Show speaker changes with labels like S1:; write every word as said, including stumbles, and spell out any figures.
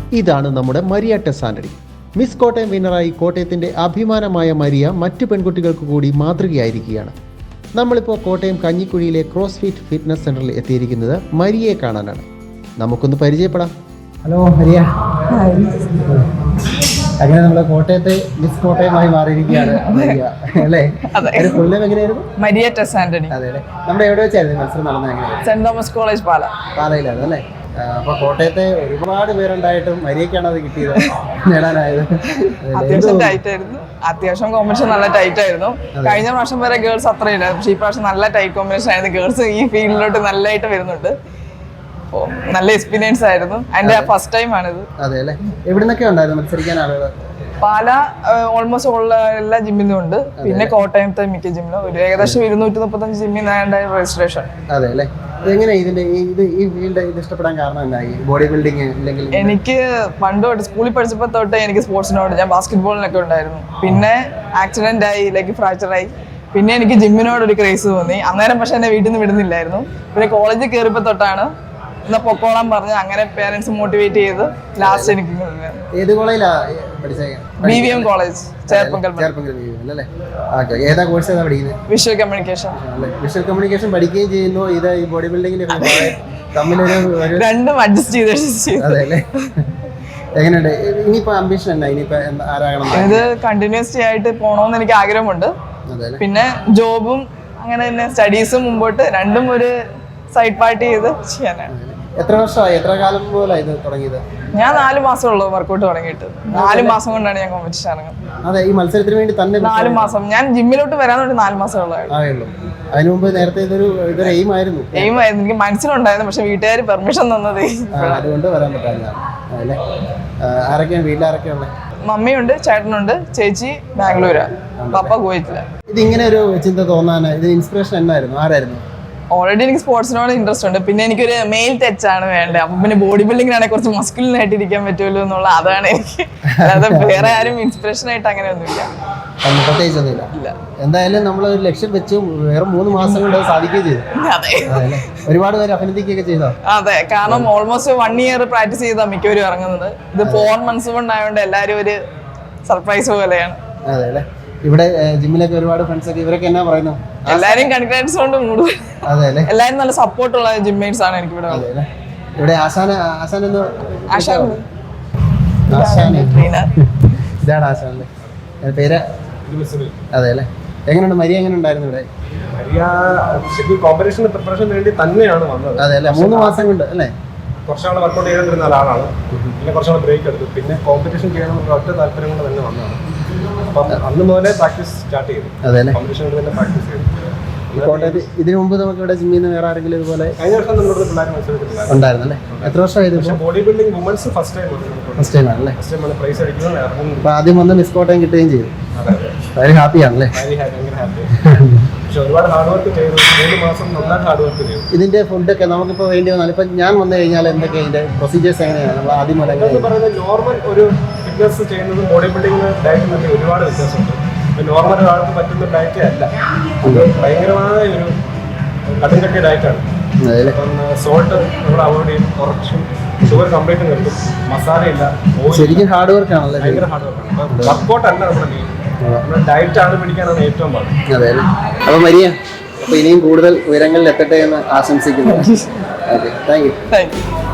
S1: ഇതാണ് നമ്മുടെ മരിയ ടെസ് ആന്റണി. മിസ് കോട്ടയം വിന്നറായി കോട്ടയത്തിൻ്റെ അഭിമാനമായ മരിയ മറ്റു പെൺകുട്ടികൾക്ക് കൂടി മാതൃകയായിരിക്കുകയാണ്. നമ്മളിപ്പോൾ കോട്ടയം കഞ്ഞിക്കുഴിയിലെ ക്രോസ് ഫിറ്റ് ഫിറ്റ്നസ് സെൻ്ററിൽ എത്തിയിരിക്കുന്നത് മരിയയെ കാണാനാണ്. നമുക്കൊന്ന് പരിചയപ്പെടാം.
S2: ഹലോ മരിയ. അങ്ങനെ നമ്മുടെ കോട്ടയത്തെ മിസ് കോട്ടയമായി മാറിയിരിക്കുകയാണ് മരിയ അല്ലേ? ഫുൾ നെയിം എങ്ങനെയായിരുന്നു?
S3: മരിയ ടെസ് ആന്റണി.
S2: അതെ അല്ലേ. നമ്മുടെ എവിടെ വെച്ചായിരുന്നു മത്സരം നടന്നത്? എങ്ങനെയായിരുന്നു?
S3: സെന്റ് തോമസ് കോളേജ് പാല
S2: പാലയിലാണ് അല്ലേ? അപ്പോൾ കോട്ടയത്തെ ഒരുപാട് പേരുണ്ടായിട്ടും മരിയക്കാണ് അത് കിട്ടിയത്, നേടാനായത്.
S3: അത്യാവശ്യം ടൈറ്റ് ആയിരുന്നു. അത്യാവശ്യം കോമ്പറ്റീഷൻ നല്ല ടൈറ്റ് ആയിരുന്നു. കഴിഞ്ഞ പ്രാവശ്യം വരെ ഗേൾസ് അത്രയില്ല, പക്ഷേ ഈ പ്രാവശ്യം നല്ല ടൈറ്റ് കോമ്പറ്റീഷൻ ആയിരുന്നു. ഗേൾസ് ഈ ഫീൽഡിലോട്ട് നല്ലതായിട്ട് വരുന്നുണ്ട്. അപ്പോൾ നല്ല എക്സ്പീരിയൻസ് ആയിരുന്നു. എൻ്റെ ഫസ്റ്റ് ടൈം ആണിത്.
S2: അതെ അല്ലേ. എവിടെ നിന്നൊക്കെ ഉണ്ടായിരുന്നു മത്സരിക്കാൻ ആളുകൾ?
S3: പാല ഓൾമോസ്റ്റ് ഉള്ള എല്ലാ ജിമ്മിലും ഉണ്ട്. പിന്നെ കോട്ടയത്തെ മിക്ക ജിമ്മിലും ഒരു ഏകദേശം ഇരുന്നൂറ്റി മുപ്പത്തഞ്ച് ജിമ്മിൽ നിന്നാണ് രജിസ്ട്രേഷൻ.
S2: അതെ അല്ലേ. എങ്ങനെ ഇതിന്റെ ഇത് ഈ ഫീൽഡ് ഇത് ഇഷ്ടപ്പെടാൻ കാരണം എന്തായി? ബോഡി ബിൽഡിങ് അല്ലെങ്കിൽ?
S3: എനിക്ക് പണ്ട് തൊട്ട് സ്കൂളിൽ പഠിച്ചപ്പോൾ തൊട്ട് എനിക്ക് സ്പോർട്സിനോട്, ഞാൻ ബാസ്കറ്റ് ബോളിനൊക്കെ ഉണ്ടായിരുന്നു. പിന്നെ ആക്സിഡന്റ് ആയി, ലെഗ് ഫ്രാക്ചർ ആയി. പിന്നെ എനിക്ക് ജിമ്മിനോട് ഒരു ക്രേസ് തോന്നി. അന്നേരം പക്ഷെ എന്നെ വീട്ടിൽ നിന്ന് വിടുന്നില്ലായിരുന്നു. പിന്നെ കോളേജിൽ കയറിയപ്പോൾ തൊട്ടാണ് എന്നാ പൊക്കോളാൻ പറഞ്ഞ് അങ്ങനെ പേരൻസ് മോട്ടിവേറ്റ് ചെയ്ത് ലാസ്റ്റ് എനിക്ക്
S2: ഏത് കോളേജിലാ പഠിച്ചത്?
S3: B V M college, Cherpunkal.
S2: ഏതാ കോഴ്സ് ഏതാ പഠിക്കുന്നത്?
S3: Visual communication.
S2: വിഷ്വൽ കമ്മ്യൂണിക്കേഷൻ പഠിക്കുകയും ചെയ്യുന്നു, ഇത് ഈ ബോഡി ബിൽഡിങ്ങിന് തമ്മിലൊരു രണ്ടും
S3: അഡ്ജസ്റ്റ് ചെയ്ത്.
S2: അതെ അല്ലേ. എങ്ങനെയുണ്ട് ഇനിയിപ്പോ അംബിഷൻ എന്നാ? ഇനിയിപ്പോ ആരാകണം?
S3: ഇത് കണ്ടിന്യൂസ്ലി ആയിട്ട് പോകണമെന്ന് എനിക്ക് ആഗ്രഹമുണ്ട്. പിന്നെ ജോബും അങ്ങനെ തന്നെ സ്റ്റഡീസും മുമ്പോട്ട് രണ്ടും ഒരു സൈഡ് പാർട്ടി ചെയ്ത് ചെയ്യാനാണ്.
S2: എത്ര വർഷമായി, എത്ര കാലം പോലെ ഇത് തുടങ്ങിയത്?
S3: ഞാൻ നാല് മാസം ഉള്ളൂ വർക്കൗട്ട് തുടങ്ങിയിട്ട്. നാല് മാസം കൊണ്ടാണ് ഞാൻ കോമ്പറ്റീഷൻ ഇറങ്ങുന്നത്.
S2: അതെ, ഈ മത്സരത്തിന് വേണ്ടി തന്നെ
S3: നാല് മാസം. ഞാൻ ജിമ്മിലോട്ട് വരാൻ വേണ്ടി നാല് മാസം ഉള്ളതായിരുന്നു.
S2: അതിനു മുമ്പ് നേരത്തെ ഇതൊരു ഇതൊരു എയിം ആയിരുന്നു.
S3: എയിം ആയിരുന്നു, എനിക്ക് മനസ്സിലുണ്ടായിരുന്നു. പക്ഷെ വീട്ടുകാർ പെർമിഷൻ തന്നത്
S2: അതുകൊണ്ട് വരാൻ പറ്റാതെ. അതല്ലേ. ആരൊക്കെയാണ് വീട്ടിൽ ആരൊക്കെയുള്ളത്?
S3: മമ്മിയുണ്ട്, ചേട്ടനുണ്ട്, ചേച്ചി ബാംഗ്ലൂരാ, പപ്പ കുവൈറ്റില്ല.
S2: ഇതിങ്ങനെ ഒരു ചിന്ത തോന്നാൻ ഇത് ഇൻസ്പിറേഷൻ എന്നായിരുന്നു? ആരായിരുന്നു?
S3: ഓൾറെഡി എനിക്ക് സ്പോർട്സിനോട് ഇൻട്രസ്റ്റ് ഉണ്ട്. പിന്നെ എനിക്കൊരു മെയിൽ ടച്ച് ആണ് വേണ്ടത്. അപ്പം പിന്നെ ബോഡി ബിൽഡിങ്ങിനാണെങ്കിൽ കുറച്ച് മസ്കുലിൻ ആയിട്ട് ഇരിക്കാൻ പറ്റുമല്ലോ എന്നുള്ള അതാണ് എനിക്ക്. അല്ലാതെ വേറെ ആരും ഇൻസ്പിറേഷൻ ആയിട്ട് അങ്ങനെയൊന്നുമില്ല.
S2: പ്രത്യേകിച്ചൊന്നുമില്ല. എന്തായാലും നമ്മൾ ഒരു ലക്ഷ്യം വെച്ചു, വേറെ മൂന്ന് മാസം കൊണ്ട് അത് സാധിക്കുകയും ചെയ്തു.
S3: അതെ.
S2: ഒരുപാട് പേര് അഭിനന്ദിക്കുകയൊക്കെ ചെയ്തോ?
S3: അതെ, കാരണം ഓൾമോസ്റ്റ് വൺ ഇയർ പ്രാക്ടീസ് ചെയ്താൽ മിക്കവരും ഇറങ്ങുന്നത്. ഇത് ഫോർ മന്ത്സ് കൊണ്ടായതുകൊണ്ട് എല്ലാവരും ഒരു സർപ്രൈസ് പോലെയാണ്.
S2: അതെ അല്ലേ. ഇവിടെ ജിമ്മിലൊക്കെ ഒരുപാട് ഫ്രണ്ട്സ് ഒക്കെ ഇവരൊക്കെ എന്നാ പറയുന്നു?
S3: എല്ലാരും കൺഗ്രാറ്റ്സ് കൊണ്ട് മൂടും.
S2: അതെ അല്ലേ.
S3: എല്ലാരും നല്ല സപ്പോർട്ടുള്ള ജിമ്മേറ്റ്സ് ആണ് എനിക്ക് ഇവിടെ.
S2: ഇവിടെ ആശാന ആശാൻ എന്ന്
S3: ആശാൻ
S2: ഇതാണ് ആശാന്റെ പേര്. അതെ അല്ലേ. എങ്ങനെയുണ്ട് മരിയ? എങ്ങനെ ഉണ്ടായിരുന്നു ഇവിടെ?
S4: കോമ്പറ്റീഷൻ പ്രിപ്പറേഷൻ വേണ്ടി തന്നെയാണ് വന്നത്.
S2: അതെ അല്ലേ. മൂന്ന് മാസം കൊണ്ട് അല്ലേ?
S4: കുറച്ചാൾ വർക്കൗട്ട് ചെയ്തിരുന്ന ആളാണ്. പിന്നെ കുറച്ചാൾ ബ്രേക്ക് എടുത്തു. പിന്നെ കോമ്പറ്റീഷൻ ചെയ്യണമെന്നുള്ള ഒറ്റ താല്പര്യം കൊണ്ട് തന്നെ വന്നതാണ്. അപ്പം അന്ന് മുതലേ പ്രാക്ടീസ് സ്റ്റാർട്ട് ചെയ്തു. കോമ്പറ്റീഷൻ കൊണ്ട് തന്നെ പ്രാക്ടീസ് ചെയ്തു.
S2: കോട്ടയത്ത് ഇതിനു മുമ്പ് നമുക്ക് ഇവിടെ ജിമ്മിൽ നിന്ന് വേറെ ആരെങ്കിലും ഇതുപോലെ
S4: കഴിഞ്ഞ വർഷം നമ്മുടെ പിള്ളേർ മത്സരത്തിലുണ്ടായിരുന്നു.
S2: ഉണ്ടായിരുന്നു അല്ലേ? എത്ര വർഷമായത്?
S4: Body building women's first time
S2: first time ആണല്ലേ?
S4: ഫസ്റ്റ് ടൈമാണ് പ്രൈസ് അടിക്കുന്നത്.
S2: അപ്പോൾ ആദ്യം വന്ന് മിസ് കോട്ടയം കിട്ടുകയും ചെയ്തു. വളരെ ഹാപ്പിയാണല്ലേ?
S4: ഭയങ്കര ഹാപ്പി. പക്ഷെ ഒരുപാട് ഹാർഡ് വർക്ക് ചെയ്തു. മൂന്ന് മാസം നന്നായിട്ട് ഹാർഡ് വർക്ക് ചെയ്തു.
S2: ഇതിന്റെ ഫുഡൊക്കെ നമുക്കിപ്പോൾ വേണ്ടി വന്നാൽ ഇപ്പം ഞാൻ വന്നു കഴിഞ്ഞാൽ എന്തൊക്കെയാണ് ഇതിന്റെ പ്രൊസീജിയേഴ്സ്? എങ്ങനെയാണ് നമ്മൾ ആദ്യം മുതൽ
S4: പറയുന്നത്? നോർമൽ ഒരു ഫിറ്റ്നസ് ചെയ്യുന്നതും ബോഡി ബിൽഡിംഗ് ഡയറ്റിനൊക്കെ ഒരുപാട് വ്യത്യാസമുണ്ട്. നോർമൽ ഒരാൾക്ക് പറ്റുന്ന ഡയറ്റ് അല്ല, അത് ഭയങ്കരമായ ഒരു കടുംകട്ടിയ ഡയറ്റാണ്. അപ്പം സോൾട്ട് നമ്മൾ അവോയ്ഡ് ചെയ്യും, കുറച്ചും ഷുഗർ കംപ്ലീറ്റ് നിർത്തും, മസാല ഇല്ല.
S2: ശരിക്കും ഹാർഡ് വർക്ക് ആണല്ലേ?
S4: ഭയങ്കര ഹാർഡ് വർക്കാണ്. അപ്പം വർക്കൗട്ട് അല്ല നമ്മുടെ മെയിൻ, നമ്മുടെ ഡയറ്റ് ആണ് പിടിക്കാനാണ് ഏറ്റവും പാട്.
S2: അതെ അല്ലേ. അപ്പോൾ മരിയ, അപ്പോൾ ഇനിയും കൂടുതൽ ഉയരങ്ങളിൽ എത്തട്ടെ എന്ന് ആശംസിക്കുന്നു. Okay, thank you.
S3: Thank U.